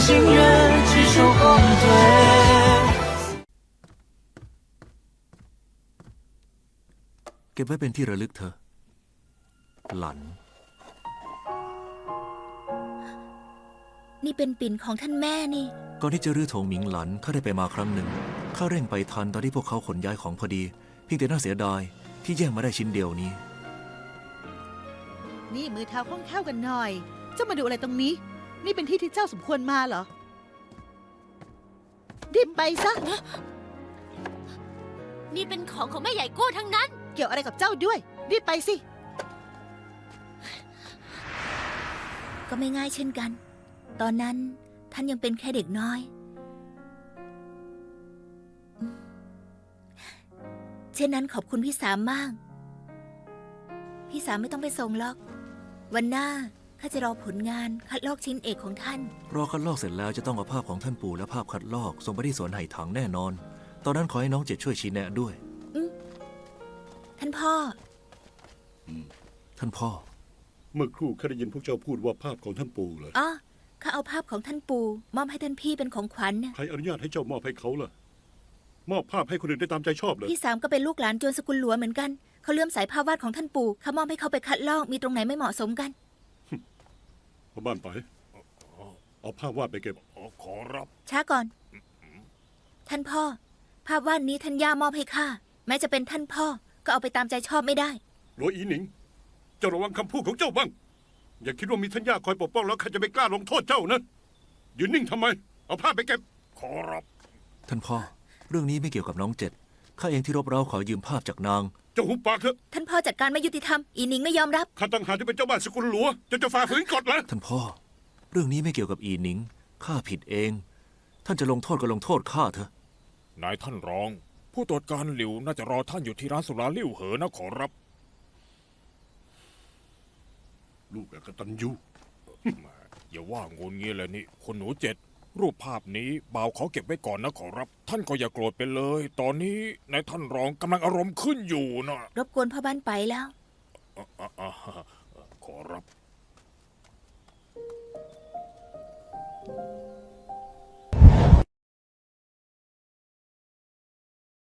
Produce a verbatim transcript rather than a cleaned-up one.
心人执手后退。 เก็บไว้เป็นที่ระลึกเธอหลันนี่เป็นปิ่นของท่านแม่นี่ก่อนที่จะรื้อโถงหมิงหลันข้าได้ไปมาครั้งหนึ่งข้าเร่งไปทันตอนที่พวกเขาขนย้ายของพอดีเพียงแต่น่าเสียดายที่แย่งมาได้ชิ้นเดียวนี้นี่มือเท้าคล่องแคล่วกันหน่อยเจ้ามาดูอะไรตรงนี้นี่เป็นที่ที่เจ้าสมควรมาเหรอรีบไปซะนี่เป็นของของแม่ใหญ่กู้ทั้งนั้นเกี่ยวอะไรกับเจ้าด้วยรีบไปสิก็ไม่ง่ายเช่นกันตอนนั้นท่านยังเป็นแค่เด็กน้อยเช่นนั้นขอบคุณพี่สามมากพี่สามไม่ต้องไปส่งหรอกวันหน้าข้าจะรอผลงานคัดลอกชิ้นเอกของท่านรอคัดลอกเสร็จแล้วจะต้องเอาภาพของท่านปู่และภาพคัดลอกส่งไปที่สวนไห่ถังแน่นอนตอนนั้นขอให้น้องเจ็ดช่วยชี้แนะด้วยท่านพ่อท่านพ่อเมื่อครู่ข้าได้ยินพวกเจ้าพูดว่าภาพของท่านปู่เหรออ๋อข้าเอาภาพของท่านปู่มอบให้ท่านพี่เป็นของขวัญใครอนุญาตให้เจ้ามอบให้เขาล่ะมอบภาพให้คนอื่นได้ตามใจชอบเลยพี่สามก็เป็นลูกหลานจวนสกุลหลวงเหมือนกันเขาเลื่อมสายภาพวาดของท่านปู่ข้ามอบให้เขาไปคัดลอกมีตรงไหนไม่เหมาะสมกันพ่อบ้านไปเอาภาพวาดไปเก็บขอรับช้าก่อนท่านพ่อภาพวาดนี้ท่านย่ามอบให้ข้าแม้จะเป็นท่านพ่อก็เอาไปตามใจชอบไม่ได้หลวงอีหนิงเจ้าระวังคำพูดของเจ้าบ้างอย่าคิดว่ามีท่านย่าคอยปกป้องแล้วข้าจะไม่กล้าลงโทษเจ้านะยืนนิ่งทำไมเอาภาพไปเก็บขอรับท่านพ่อเรื่องนี้ไม่เกี่ยวกับน้องเจ็ดข้าเองที่รบเร้าขอยืมภาพจากนางเจ้าหุบปากเถอะท่านพ่อจัดการไม่ยุติธรรมอีหนิงไม่ยอมรับข้าตั้งหากที่เป็นเจ้าบ้านสกุลหลวงจะจะฝ่าฝืนกฎเหรอท่านพ่อเรื่องนี้ไม่เกี่ยวกับอีหนิงข้าผิดเองท่านจะลงโทษก็ลงโทษข้าเถอะนายท่านรองผู้ตรวจการหลิวน่าจะรอท่านอยู่ที่ร้านสุราลิ่วเหอนะขอรับลูกกตัญญูอย่าว่างงเงี้ยเลยนี่คนหนูเจ็ดรูปภาพนี้บ่าวขอเก็บไว้ก่อนนะขอรับท่านก็อย่าโกรธไปเลยตอนนี้นายท่านรองกำลังอารมณ์ขึ้นอยู่นะรบกวนพ่อบ้านไปแล้ว